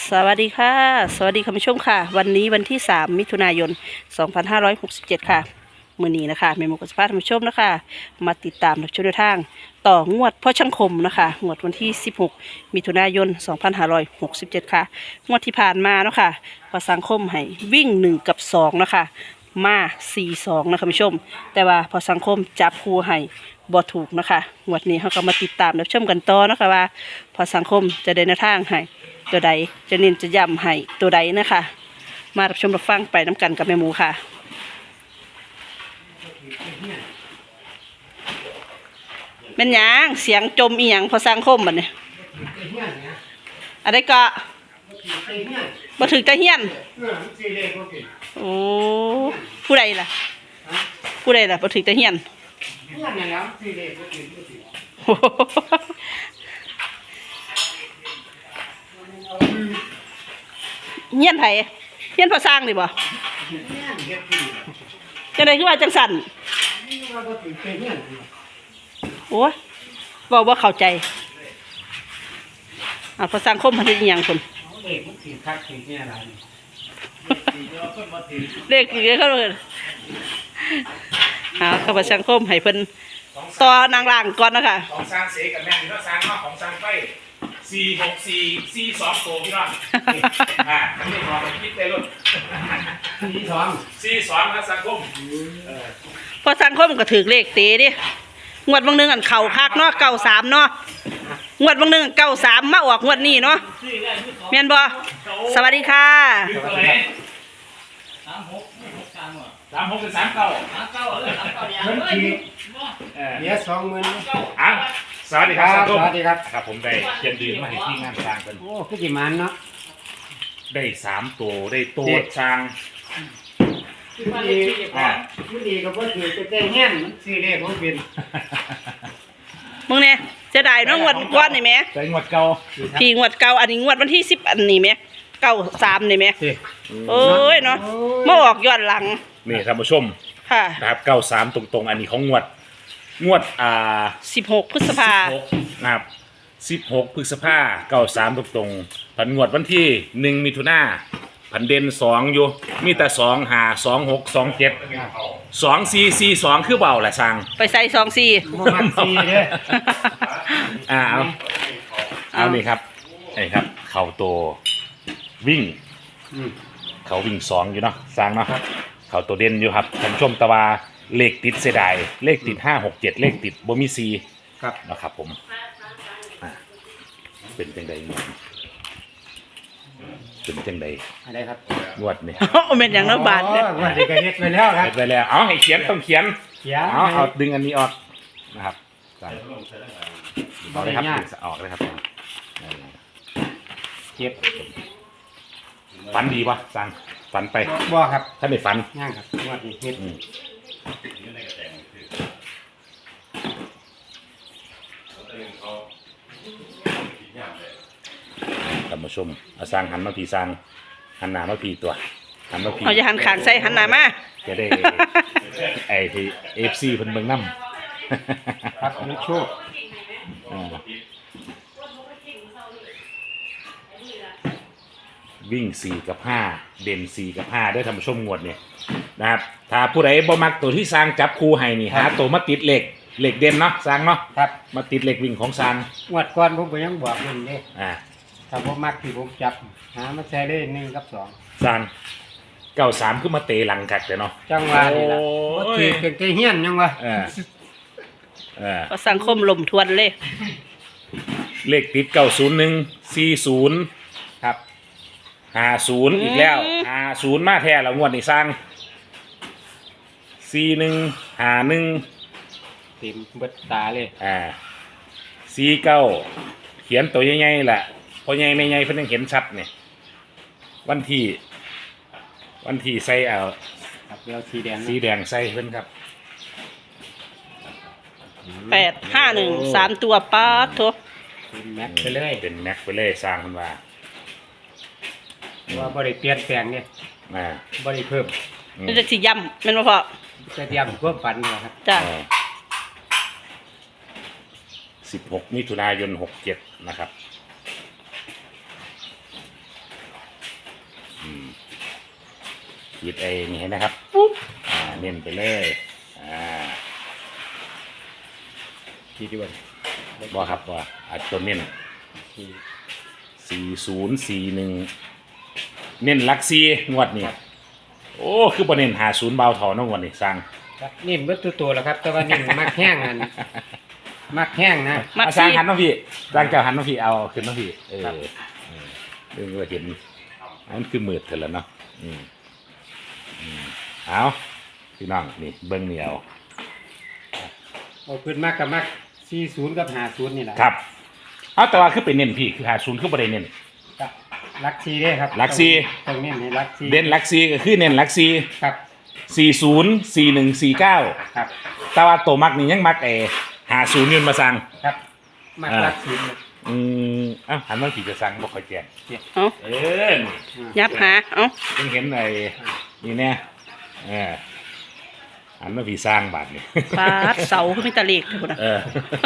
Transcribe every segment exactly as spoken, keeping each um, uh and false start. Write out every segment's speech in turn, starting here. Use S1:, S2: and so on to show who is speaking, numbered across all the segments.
S1: สวัสดีค่ะสวัสดีคุณผู้ชมค่ะวันนี้วันที่สามมิถุนายนสองพันห้าร้อยหกสิบเจ็ดค่ะมื้อนี้นะคะเมมูกสภาพท่านผู้ชมนะคะมาติดตามรับชมแนวทางต่องวดพ่อช่างคมนะคะงวดวันที่สิบหกมิถุนายนสองพันห้าร้อยหกสิบเจ็ดค่ะงวดที่ผ่านมาเนาะค่ะพอสังคมให้วิ่งหนึ่งกับสองนะคะมาสี่สองนะคะคุณผู้ชมแต่ว่าพอสังคมจับคู่ให้บ่ถูกนะคะงวดนี้เขาก็มาติดตามรับชมกันต่อนะคะว่าพอสังคมจะได้แนวทางให้ตัวใดจะเน้นจะย้ำให้ตัวใดนะคะมารับชมรับฟังไปน้ำกันกับแม่หมูค่ะเป็นหยังเสียงจมอีหยังพอสังคมบัดนี้อะไรก็มาถึงจะเฮียนโอ้ผู้ใดล่ะผู้ใดล่ะมาถึงจะเฮียนเฮียนไผเฮียนพอสร้างดิบ่จังได๋คือว่าจังสั่นโอ้ยเว้าบ่เข้าใจอ่าพอสังคมมันเฮ็ดอีหยังพุ่นเลขคือเขาเลยเอาข้าพเจ้าสังคมให้เพิ่นต่อนางล่างก่อนนะคะ
S2: ของสร้างเสกับแม่นี่ก็สร้างมาของสร้างไฟสี่หกสี่สี่สองโตพี่น้องอ่าทั้งนี้พอไปคิดได้รุ่นสี่สองสี่สองนะสังคม
S1: พอสังคมก็ถือเลขเตะดิงวดบางนึงอันเข่าคักเนาะเก้าสามเนาะงวดบางนึงเก้าสามมาออกงวดนี้เนาะแม่นบ่สวัสดีค่ะ
S2: สามหกสามหกเป็นสามเก้าสามเก้าเออสามเก้าเดียวเฮ้ย
S3: เดี๋ยวสองหมื่น
S2: อ้าวสวัสดีครับสังคม
S3: สวัสดีครับ
S2: ครับผมได้เขียนดืนมาให้ที่งานสร้างกัน
S3: โอ้คือกี่มันเนาะ
S2: ได้สามตัวได้ตัวสร้าง
S3: มันดีอ่ามันดีก็เพราะถือจะแจ้งแห้งมันสี่เลขของเป็น
S1: มึงเนี่ยจะได้น้องงวดก้อนนี่ไหม
S2: ใจงวดเก่า
S1: พี่งวดเก่าอันนี้งวดวันที่สิบอันนี้ไหมเก้าสามนี่ไหมโอ้ยเนาะมาออกย้อนหลัง
S2: นี่ท่านผู้ชม
S1: ค่ะ
S2: นะครับเก้าสามตรงๆอันนี้ของงวดงวดอ่า
S1: สิบหกพฤษภา
S2: นะครับสิบหกพฤษภาเก้าสามตรงๆผันงวดวันที่หนึ่งมิถุนาผันเด่นสองอยู่มีแต่สองหาสองหกสองเจ็ดสองสี่สี่สองคือเบาแหละช่าง
S1: ไปใส่สองสี่
S3: มันสี่เลย
S2: อ่าเอาเอานี่ครับไอ้ครับเข่าตัววิ่งเขาวิ่งสองอยู่เนาะสร้างเนาะเขาตัวเด่นอยู่ครับท่านชมตะวาเลขติดเสียดายเลขติดห้าหกเจ็ดเลขติดบ่มีซี
S3: ครับ
S2: นะครับผมเป็นจังใดเป็นจังใด
S3: อะไรครับ
S2: งวดนี่
S1: เป็นอย่างนักบาท
S3: เนี่ยงวดนี้ก็เฮ็ดไปแล้วครับ
S2: เฮ็ดไปแล้วเอาให้เขียนต้องเขียน
S3: เขียน
S2: เอาเอาดึงอันนี้ออกนะครับเอาเลยครับดึงออกเลยครับ
S3: เก็บ
S2: ฝันดีป่ะสั่งฝันไป
S3: บ่ครับ
S2: ถ้าไม่ฝัน
S3: ย่างครับงวดนี้เฮ็ด
S2: ท่านผู้ชมเอาสร้างหันมาพี่สร้างหันหน้ามาพี่ตัวหันมาพี่
S1: เอาจะหันขางใส่หันหน้ามา
S2: จะได้ไอ้ที่เอฟซีเพิ่นเบิ่งนำ
S3: ครับลูกโชค
S2: วิ่งสี่กับห้าเด่นสี่กับห้าด้วยท่านผู้ชมงวดเนี่ยนะครับถ้าผู้ใดบ่มักตัวที่สร้างจับคู่ให้นี่หาตัวมาติดเหล็กเหล็กเด่นเนาะสร้างเนาะ
S3: ครับ
S2: มาติดเหล็กวิ่งของสร้าง
S3: งวดก่อนผมก็ยังบอกเพิ่นเด้
S2: อ่า
S3: ถ้าผมมักที่ผมจับหามาใช้ได้หนึ่งกับสอง
S2: สร้างเก้าสามขึ้นมาเตะหลังกัดแต่เนาะ
S3: จังหวะนี่ล่ะบ่ถือเป็นใจเฮี้ยนยังวะ
S2: เออเออ
S1: ก็สังคมลมทวนเลย
S2: เลขติดเก้าศูนย์หนึ่งสี่ศูนย์
S3: ครับ
S2: ห้าศูนย์อีกแล้วห้าศูนย์มาแท้แล้วงวดนี้สร้างสี่หนึ่งห้าหนึ่ง
S3: เต็มเบิดตาเลย
S2: อ่าสี่เก้าเขียนตัวใหญ่ๆแหละพอใหญ่ไม่ใหญ่เพิ่นยังเห็นชัดเนี่ยวันที่วันที่ใส่เอา
S3: ครับแล้วสีแดง
S2: สีแดงใส่เพิ่นครับ
S1: แปดห้าหนึ่งสามตัวป๊าดโถ
S3: เป็นแม็กไปเลย
S2: เป็นแม็กไปเลยสร้างเพิ่นว่า
S3: ว่าบ่ได้เปลี่ยนแปลงเนี่ย
S2: อ่า
S3: บ่ได้เพิ่ม
S1: นี่จะสิย่ำแม่นบ่พ่อ
S3: จะย่ำความฝันครับ
S1: จ้ะ
S2: สิบหกมิถุนายนหกเจ็ดนะครับขีดไอ้นี่ให้นะครับปุ๊บอ่าเน้นไปเลยอ่า
S3: ขีดดีกว่า
S2: บ่ครับบ่อาจตัวเน้นสี่ศูนย์สี่หนึ่งเน้นหลักสี่งวดนี้โอ้คือบ่เน้นหาศูนย์เบาเท่าน้องวันนี้สร้าง
S3: ครับนิ่มเบิดตัวตัวแล้วครับ แต่ว่านิ่มมักแห้งอันมักแห้งนะ
S1: มัก
S2: อ่ะสร้าง
S1: ซี่
S2: หันน้องพี่สร้างเจ้าหันน้องพี่เอาขึ้นน้องพี่เออ
S3: ครับ
S2: เออเรื่องว่าเห็นอันนั้นคือมืดเถอะแล้วเนาะอืมอืมเอาพี่น้องนี่เบิ้งเหนียว
S3: เอาขึ้นมากกับมักสี่ศูนย์กับห้าศูนย์นี่แหละ
S2: ครับเอาแต่ว่าคือเป็นเน้นพี่คือหาศูนย์คือบ่ได้เน้น
S3: ครับลักซีเด้ครับ
S2: ลักซี่
S3: ต้องเน้นให้ลักซี
S2: เด่นหลักสี่ก็คือเน้นหลักสี่
S3: ครับ
S2: สี่ศูนย์สี่หนึ่งสี่เก้า
S3: ครับ
S2: แต่ว่าตัวมักนี่ยังมักไอ้หาศูนย์ยืนมาสั่ง
S3: ครับมัก
S2: อ่า
S3: ลักซีนะ
S2: อืมเอ้าหันมาผีจะสั่งบ่ค่อยแจ้ง
S1: เอา
S2: เออ
S1: ยับหาเอา
S2: เพิ่งเห็นไอ้นี่แน่เออหันมาผีสร้างบาทนี่
S1: ปาดเสาขึ้นมีตะเลกเถอะพุ่นน่ะ
S2: เออ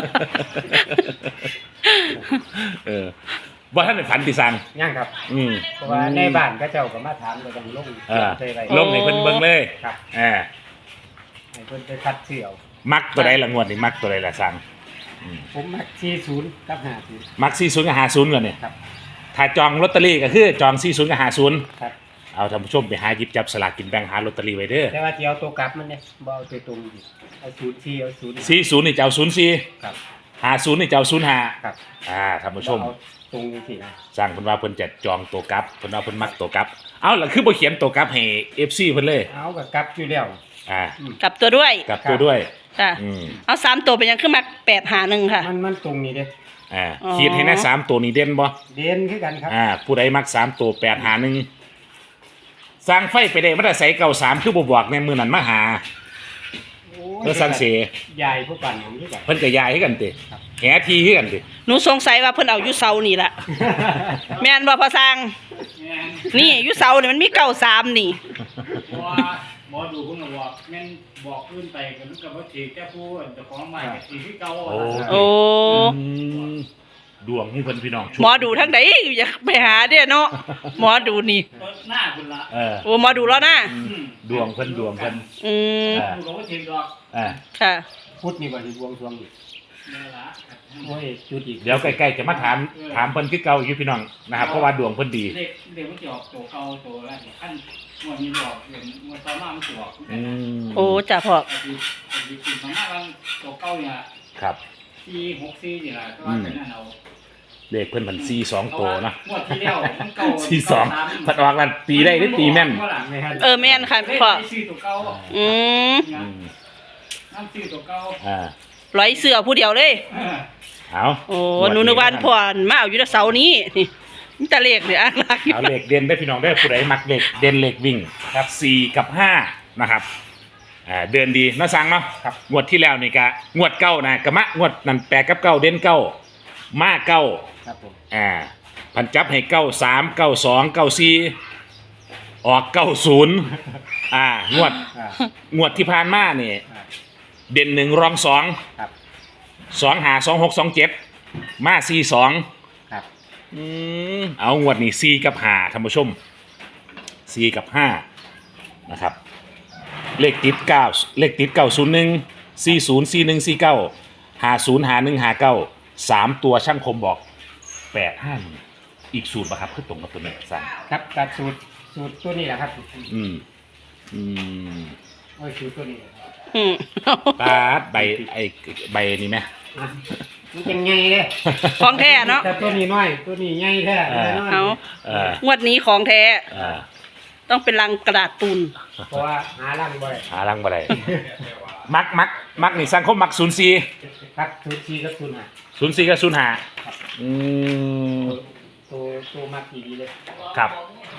S2: เออบ่ท่านได้ฝันที่สั่ง
S3: ย่างครับ
S2: อืม
S3: เพราะว่าในบ้านก็เจ้าก็มาถามก็ต้องลง
S2: เออ
S3: ใส่ไว้
S2: ลงให้เพิ่นเบิ่งเลย
S3: ครับ
S2: เออ
S3: ให้เพิ่นไปคัดเสี่ยว
S2: มักตัวใดละงวดนี่มักตัวใดละสั่งอืม
S3: ผมมักสี่ศูนย์กับห้าศูนย์
S2: มักสี่ศูนย์กับห้าศูนย์ก่อนเนี่ย
S3: ครับ
S2: ถ้าจองลอตเตอรี่ก็คือจองสี่ศูนย์กับห้าศูนย์
S3: ครับ
S2: เอาท่านผู้ชมไปหาหยิบจับสลากกินแบ่งหาลอตเตอรี่ไว้เด้อ
S3: แต่ว่าจะเอาตัวกลับมันเนี่ยบ่เอาตัวตรงดิเอาศูนย์สี่เอาศูนย์
S2: สี่ศูนย์นี่จะเอาศูนย์สี่
S3: ครับ
S2: ห้าศูนย์นี่จะเอาศูนย์ห้า
S3: ครับ
S2: อ่าท่านผู้ชม
S3: เอาตรงนี้สินะ
S2: สร้างเพิ่นว่าเพิ่นจะจองตัวกลับเพิ่นว่าเพิ่นมักตัวกลับ เอาล่ะคือบ่เขียนตัวกลับให้ เอฟ ซี เพิ่นเลย
S3: เอากับกลับอยู่แล้ว
S2: อ่า
S1: กลับตัวด้วย
S2: กลับตัวด้วย
S1: จ้ะ
S2: อืม
S1: เอาสามตัวเป็นยังขึ้นมาแปดหาหนึ่งค่ะ
S3: มันมันตรงนี้เด้
S2: อ่า
S1: อ๋อ
S2: ขีดให้นะสามตัวนี้เด่นบ่
S3: เด่นคือกันครับ
S2: อ่าผู้ใดมักสามตัวแปดหาหนึ่งสร้างไฟไปได้มาแต่ใส่เก่าสามคือบ่บอกในมื้อนั้นมาหา
S3: โอ้
S2: เพื่อสร้างเส
S3: ยายผู้ปั่นผมคือกัน
S2: เพิ่นก็ย้ายให้กันติ
S3: ครับ
S2: แหทีให้กันติ
S1: หนูสงสัยว่าเพิ่นเอาอยู่เสานี่ล่ะ แม่นบ่พอสร้าง นี่อยู่เสานี่มันมีเก้าสามนี่
S4: เพราะว่าหมอดูเพิ่นก็บอกแม่นบอกขึ้นไปก็มันก็บ่ถือแต่ผู้เจ้าของใหม่ก็สิคือเก่า
S2: โอ้
S1: โอ้
S2: อืมดวงของเพิ่นพี่น้อง
S1: หมอดูทั้งใดอยากไปหาเด้อเนาะหมอดูนี่
S4: หน้าคุณละ
S2: เออ
S1: โอ้หมอดูแล้วนะ
S2: ดวงเพิ่นดวงเพิ่น
S1: อืม
S2: อ่า
S4: ดูก็บ่ถือดอก
S2: อ่า
S1: ค่ะ
S3: พุทธนี่บ่สิบวงสรวงอีก
S4: นี่ล่ะ
S3: โอ้ยจุดอีก
S2: เดี๋ยวใกล้ๆจะมาถามถามเพิ่นคือเก่าอยู่พี่น้องนะครับเพราะว่าดวงเพิ่นดี
S4: เด็กเด็กมันจะออกตัวเก่าตัวแรกขั้นงวดนี้บอกเห็นงวดต่อมามันสิออก
S2: อืม
S1: โอ้จ้ะพ่อ
S4: อดีตอดีตสิมาว่าตัวเก่าเนี่ย
S2: ครับ
S4: สี่หกสี่นี่ล่ะก็ว่าเป็นนั่นเอา
S2: เลขเพิ่นพันสี่สองตัวเนาะ
S4: งวดที่แล้วมันเก่า
S2: สี่สองพัดออกนั่นตีได้หรือตีแม่น
S3: ไม่ทัน
S1: เออแม่นค่ะ
S4: เฮ้ย
S1: พ่อ
S4: ไปซื้อตัวเก่า
S1: อืม
S2: อืม
S4: น้ำซื้อตัวเก่า
S2: อ่า
S1: ร้อยเสือผู้เดียวเลย
S4: เออ
S2: เอา
S1: โอ้หนูนึกว่าพ่อมาเอาอยู่แต่เสานี้นี่มีแต่เลขเนี่ยอ่างลักอยู่
S2: เอาเลขเด่นได้พี่น้องได้ผู้ใดมักเลขเด่นเลขวิ่งครับสี่กับห้านะครับอ่าเดินดีเนาะสั่งเนาะ
S3: ครับ
S2: งวดที่แล้วนี่กะงวดเก้านะกะมะงวดนั่นแปดกับเก้าเด่นเก้ามาเก้า
S3: ครับผม
S2: อ่าพันจับให้เก้าสามเก้าสองเก้าสี่ออกเก้าศูนย์อ่างวด
S3: อ่าง
S2: วดที่ผ่านมานี่
S3: อ่า
S2: เด่นหนึ่งรองสอง
S3: ครับ
S2: สองหาสองหกสองเจ็ดมาสี่สอง
S3: ครับ
S2: อืมเอางวดนี้สี่กับห้าท่านผู้ชมสี่กับห้านะครับเลขติดเก้าเลขติดเก้าศูนย์หนึ่งสี่ศูนย์สี่หนึ่งสี่เก้าห้าศูนย์ห้าหนึ่งห้าเก้าสามตัวช่างคมบอกแปดห้าหนึ่งอีกสูตรป่ะครับคือตรงกับตัวนี้สั่ง
S3: ครับตัดสูตรสูตรตัวนี้แหละครับ
S2: อืมอืม
S3: โอ้ยสูตรตัวนี้แหละครับ
S1: อืม
S2: ปาดใบไอ้ใบนี้ไหม
S3: อ่ะมันเป็นไงเลย
S1: ของแท้เนาะ
S3: แต่ตัวนี้น้อย ตัวนี้ใหญ่แท้
S2: เออ
S3: แน่นอน
S1: เอา
S2: เออง
S1: วดนี้ของแท้
S2: อ่า
S1: ต้องเป็นลังกระดาษตุน
S3: เพราะว่าหาล่างบ่ได้
S2: หาลังบ่ได้มักมักมักนี่สังคมมักศูนย์สี่
S3: ครับสูตรสี่กับสูตรห้า
S2: ศูนย์สี่กับศูนย์ห้าอืม
S3: ตัวตัวมากดีดีเลย
S2: ครับ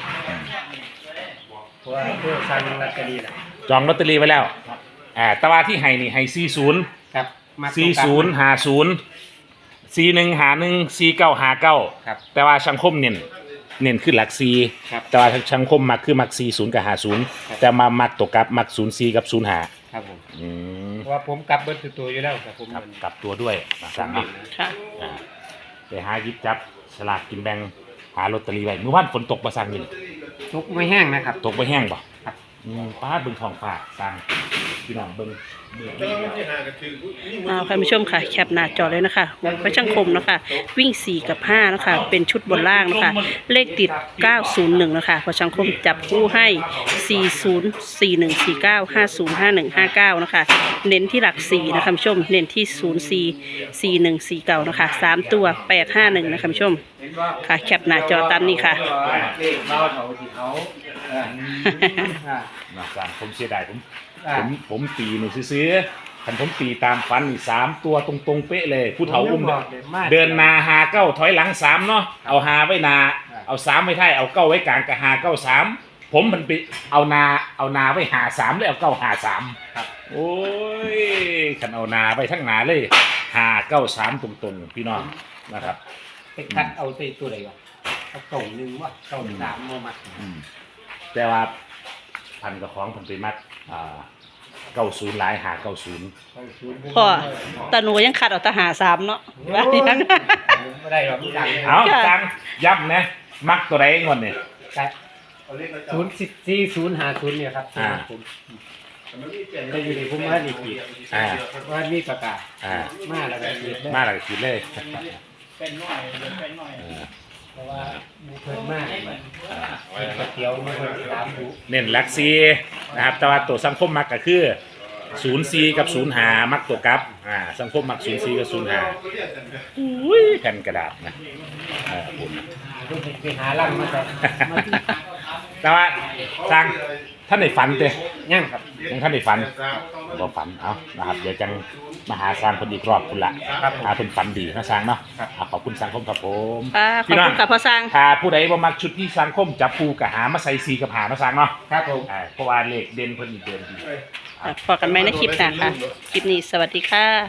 S3: เพราะว่าตัวสั่งลอตเตอรี่แหละ
S2: จองลอตเตอรี่ไว้แล้วอ่าแตว่าที่ให้นี่ให้สี่ศูนย์
S3: ครับมา
S2: สี่ศูนย์ห้าศูนย์สี่หนึ่งหาหนึ่งสี่เก้าหาเก้า
S3: ครับ
S2: แต่ว่าสังคมเน้นเน้นขึ้นหลักสี่
S3: ครับ
S2: แต่ว่าสังคมมักคือมักสี่ศูนย์กับห้าศูนย์
S3: ครับ
S2: แต่มามักตกกับมักศูนย์สี่กับศูนย์ห้า
S3: ครับผม
S2: อืม
S3: เพราะว่าผมกลับเบิดตัวตัวอยู่แล้วครับผม
S2: ครับกลับตัวด้วยมาสั่งเนาะ
S1: ค่ะ
S2: อ่าไปหาหยิบจับสลากกินแบ่งหาลอตเตอรี่ไว้เมื่อวานฝนตกมาสั่งอยู่นี่
S3: ทุกไม่แห้งนะครับ
S2: ตกไปแห้งบ่
S3: ครับ
S2: อืมป้าดเบิ่งทองฝากสร้างพี่น้องเบิ่ง
S1: เอาค่ะผู้ชมค่ะแคปหน้าจอเลยนะคะงวดพระช่างคมนะคะวิ่งสี่กับห้านะคะเป็นชุดบนล่างนะคะเลขติดเก้าศูนย์หนึ่งนะคะพระช่างคมจับคู่ให้สี่ศูนย์ สี่หนึ่ง สี่เก้า ห้าศูนย์ ห้าหนึ่ง ห้าเก้านะคะเน้นที่หลักสี่นะคะผู้ชมเน้นที่ศูนย์ สี่ สี่หนึ่ง สี่เก้านะคะสามตัวแปดห้าหนึ่งนะคะผู้ชมค่ะแคปหน้าจอตามนี้ค่ะ
S3: เลขเบาเถาที่เขาเอออ่า
S2: นะสร้างผมเสียดายผม
S3: อ่า
S2: ผมผมตีนี่ซื้อๆคันผมตีตามฟันนี่สามตัวตรงๆเป๊ะเลยผู้เฒ่าอุ้มเดินเดินนาหาเก้าถอยหลังสามเนาะเอาหาไว้นาเอาสามไว้ท้ายเอาเก้าไว้กลางกับหาเก้าสามผมมันไปเอานาเอานาไว้หาสามแล้วเอาเก้าหาสามครับโอ้ยคันเอานาไว้ทั้งนาเลยหาเก้าสามตรงๆพี่น้องนะครับ
S3: ไปคัดเอาตัวตัวไหนวะเอาเก่าหนึ่งวะเก่าสามมามา
S2: อืมแต่ว่าพันกับของผมไปมัดอ่าเก้าศูนย์หลายหาเก้าศูนย์
S3: เก้าศูนย์
S1: พ่อตาหนูยังขัดเอาแตาหาสามเนาะว่าอย่างนั้น
S3: ไม่ได้หรอกดัง
S2: เอาจังย้ำนะมักตัวใดงอนเนี่ย
S3: แต่ศูนย์สิบสี่ศูนย์หาศูนย์เนี่ยครับ
S2: อ่า
S3: ผมจะอยู่ในภูมิภาคอีกที
S2: อ่า
S3: ว่ามีประกาศ
S2: อ่า
S3: มาแล้วก็ขีดเลย
S2: มาหลักคิดเลย
S4: เป็นหน่อยเป็นหน่อย
S2: เออ
S3: เพราะว่ามีเพิ่มมากก๋วยเตี๋ยวมีเพิ่มสามดู
S2: เน้นหลักซีนะครับ แต่ว่าตัวสังคมมักก็คือศูนย์ซีกับศูนย์หามักตัวกลับอ่าสังคมมักศูนย์ซีกับศูนย์หาอุ้ยแผ่นกระดาษนะเออผม
S3: ต้องไปหาลังมาแต่มาที่
S2: แต่ว่าสร้างท่านในฝันเต้
S3: ย่างครับ
S2: ยังท่านในฝันก็ฝันเอานะครับเดี๋ยวจังมาหาสร้างคนอีกรอบคุณละครับหาเป็นฝันดีนะสร้างเนาะอ่ะขอบคุณสังคมครับผม
S1: ค่ะขอบคุณค่ะพ่อสร้าง
S2: ถ้าผู้ใดบ่มักชุดที่สังคมจับคู่กับหามาใส่ซีกับหามาสร้างเนาะ
S3: ครับผม
S2: อ่าเพราะว่าเลขเด่นเพิ่นอีกเด่นดี
S1: พอกันไหมในคลิปหน้าค่ะ คลิปนี้สวัสดีค่ะ